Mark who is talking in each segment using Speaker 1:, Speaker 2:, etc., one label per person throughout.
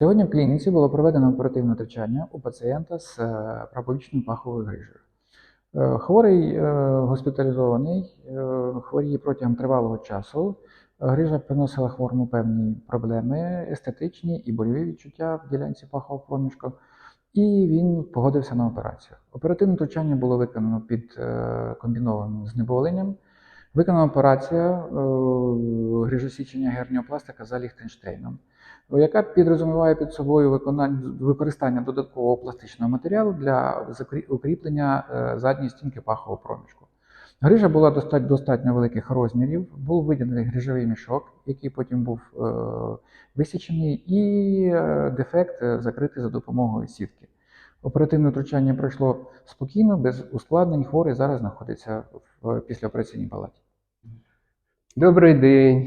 Speaker 1: Сьогодні в клініці було проведено оперативне втручання у пацієнта з прапорічною паховою грижею. Хворий госпіталізований, хворіє протягом тривалого часу. Грижа приносила хворому певні проблеми, естетичні і больові відчуття в ділянці пахового проміжку, і він погодився на операцію. Оперативне втручання було виконано під комбінованим знеболенням. Виконана операція грижосічення герніопластика за Ліхтенштейном, яка підрозуміває під собою використання додаткового пластичного матеріалу для укріплення задньої стінки пахового проміжку. Грижа була достатньо великих розмірів, був виділений грижовий мішок, який потім був висічений, і дефект закритий за допомогою сітки. Оперативне втручання пройшло спокійно, без ускладнень. Хворий зараз знаходиться в післяопераційній палаті.
Speaker 2: Добрий день.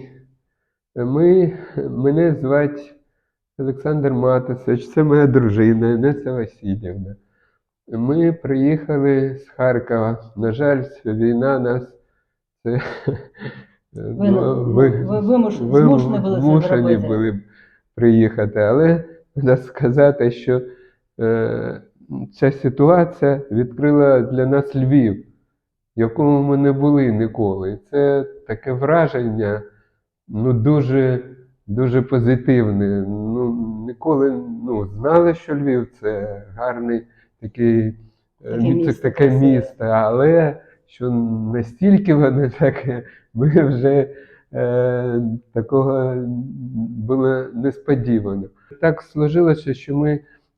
Speaker 2: Мене звати Олександр Матусович, це моя дружина Інеса Васильівна. Ми приїхали з Харкова. На жаль, війна нас...
Speaker 3: Змушені
Speaker 2: були приїхати, але треба сказати, що ця ситуація відкрила для нас Львів, в якому ми не були ніколи. Це таке враження, дуже позитивне. Ніколи знали, що Львів – це гарний таке місто, але що настільки воно таке, ми вже такого було несподівано. Так сложилося, що ми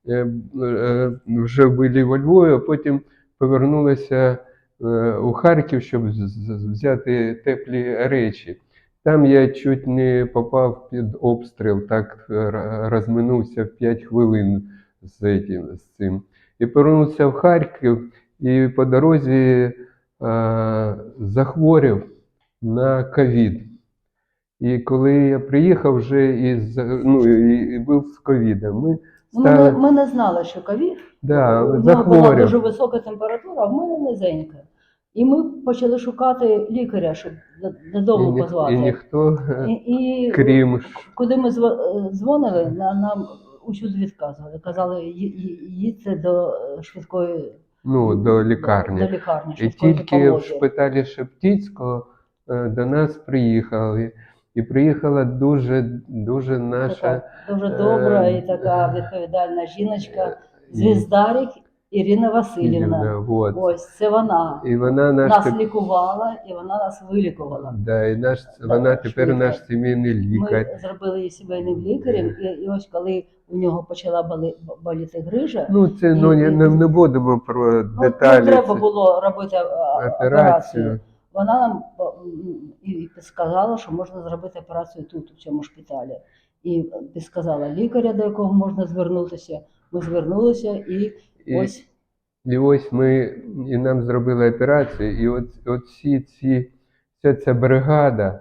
Speaker 2: вже були во Львові, а потім повернулися у Харків, щоб взяти теплі речі. Там я чуть не попав під обстріл, так розминувся в 5 хвилин з цим. І повернувся в Харків, і по дорозі захворів на ковід. І коли я приїхав вже і був з ковідом,
Speaker 3: ми не знали, що ковід.
Speaker 2: Да,
Speaker 3: у нього була дуже висока температура, а в мене низенька. І ми почали шукати лікаря, щоб додому позвати.
Speaker 2: І ніхто, крім...
Speaker 3: Куди ми дзвонили, нам усюди відказували. Казали, їдьте до швидкої...
Speaker 2: до лікарні.
Speaker 3: До лікарні,
Speaker 2: і тільки в шпиталі Шептицького до нас приїхали. І приїхала дуже наша...
Speaker 3: Дуже добра і така відповідальна жіночка, Звіздарик Ірина Васильівна. Ось, це вона.
Speaker 2: І вона
Speaker 3: нас лікувала, і вона нас вилікувала.
Speaker 2: Да, і вона тепер наш сімейний лікар.
Speaker 3: Ми зробили її сімейним лікарем, і ось коли у нього почала боліти грижа...
Speaker 2: Це не будемо про деталі.
Speaker 3: Не треба було робити операцію. Вона нам і підказала, що можна зробити операцію тут, у цьому шпиталі. І підказала лікаря, до якого можна звернутися. Ми звернулися ось...
Speaker 2: І ось нам зробили операцію, і вся ця бригада,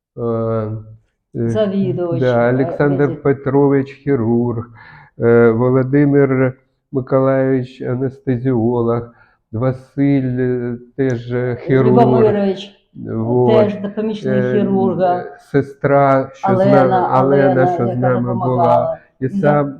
Speaker 3: завідувач,
Speaker 2: Олександр Петрович хірург, Володимир Миколайович анестезіолог, Василь теж хірург.
Speaker 3: Любомирович теж помічник хірурга.
Speaker 2: Сестра, Алена, що з нами була. І сам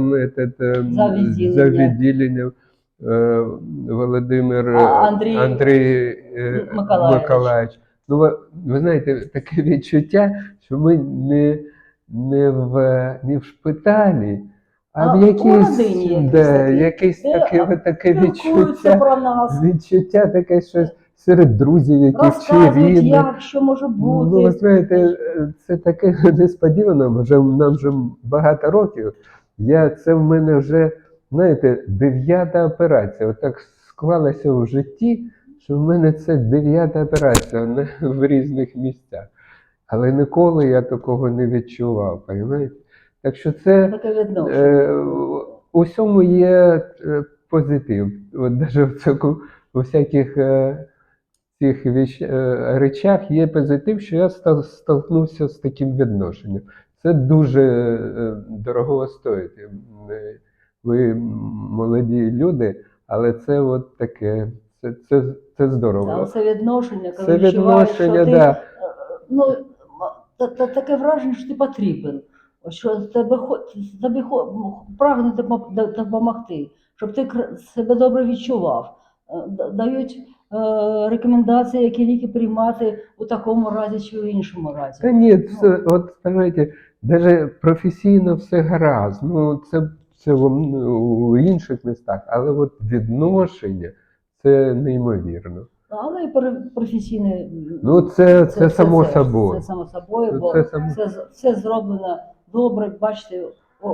Speaker 2: за відділення Володимир Андрій Миколайович. Ви знаєте, таке відчуття, що ми не в шпиталі, а в якесь таке відчуття таке, що серед друзів якихось чи рідних.
Speaker 3: Як, що може бути.
Speaker 2: Ви знаєте, це таке несподівано, нам вже багато років. Це в мене вже, знаєте, 9-та операція. Отак склалося в житті, що в мене це 9-та операція в різних місцях. Але ніколи я такого не відчував, розумієте? Так що це у всьому є позитив. От навіть у всяких цих речах є позитив, що я столкнувся з таким відношенням. Це дуже дорого стоїть. Ви молоді люди, але це от таке, це здорово.
Speaker 3: Це відношення, коли відчуваєш, що ти, таке враження, що ти потрібен. що прагнуть допомогти, щоб ти себе добре відчував. Дають рекомендації, які ліки приймати у такому разі чи в іншому разі.
Speaker 2: Та ні, це, от знаєте, навіть професійно все гаразд. Ну, це у інших містах, але от відношення це неймовірно.
Speaker 3: Але і професійне.
Speaker 2: Ну, це само собою.
Speaker 3: Це само собою, бо
Speaker 2: Це само-
Speaker 3: все зроблено добре. Бачите,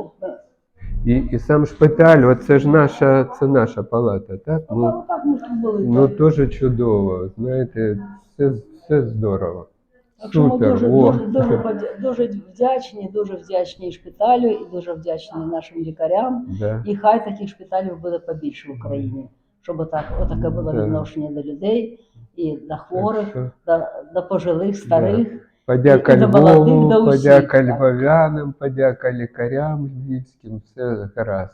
Speaker 2: І сам шпиталь, от це ж наша палата, так? Ну,
Speaker 3: так ми тут були.
Speaker 2: ну
Speaker 3: так.
Speaker 2: дуже чудово, знаєте, все здорово.
Speaker 3: Так що ми
Speaker 2: Супер,
Speaker 3: дуже вдячні і шпиталю, і дуже вдячні нашим лікарям.
Speaker 2: да.
Speaker 3: І хай таких шпиталів буде побільше в Україні, щоб отаке було
Speaker 2: Да.
Speaker 3: відношення до людей, і до
Speaker 2: Так
Speaker 3: хворих,
Speaker 2: що
Speaker 3: до пожилих, старих.
Speaker 2: подяка
Speaker 3: І до молодих,
Speaker 2: Львову,
Speaker 3: до усіх,
Speaker 2: подяка
Speaker 3: так.
Speaker 2: львов'янам, подяка лікарям львівським, все гаразд.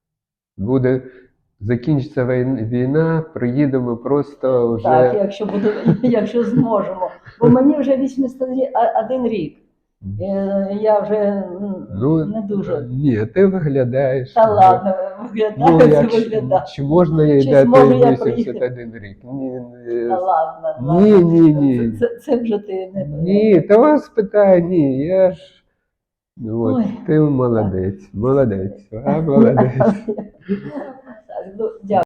Speaker 2: Закінчиться війна, приїдемо просто вже.
Speaker 3: Так, якщо зможемо. Бо мені вже 81 рік. Я вже не дуже.
Speaker 2: Ні, ти виглядаєш.
Speaker 3: Та ладно, виглядаю.
Speaker 2: Чи можна їй
Speaker 3: Чи
Speaker 2: дати
Speaker 3: зможу я
Speaker 2: 81 рік?
Speaker 3: Та ладно.
Speaker 2: Ні.
Speaker 3: Це вже ти не.
Speaker 2: Ні, та вас питає, ні, я ж. От,
Speaker 3: Ой.
Speaker 2: ти молодець, молодець, молодець.
Speaker 3: Так, дякую.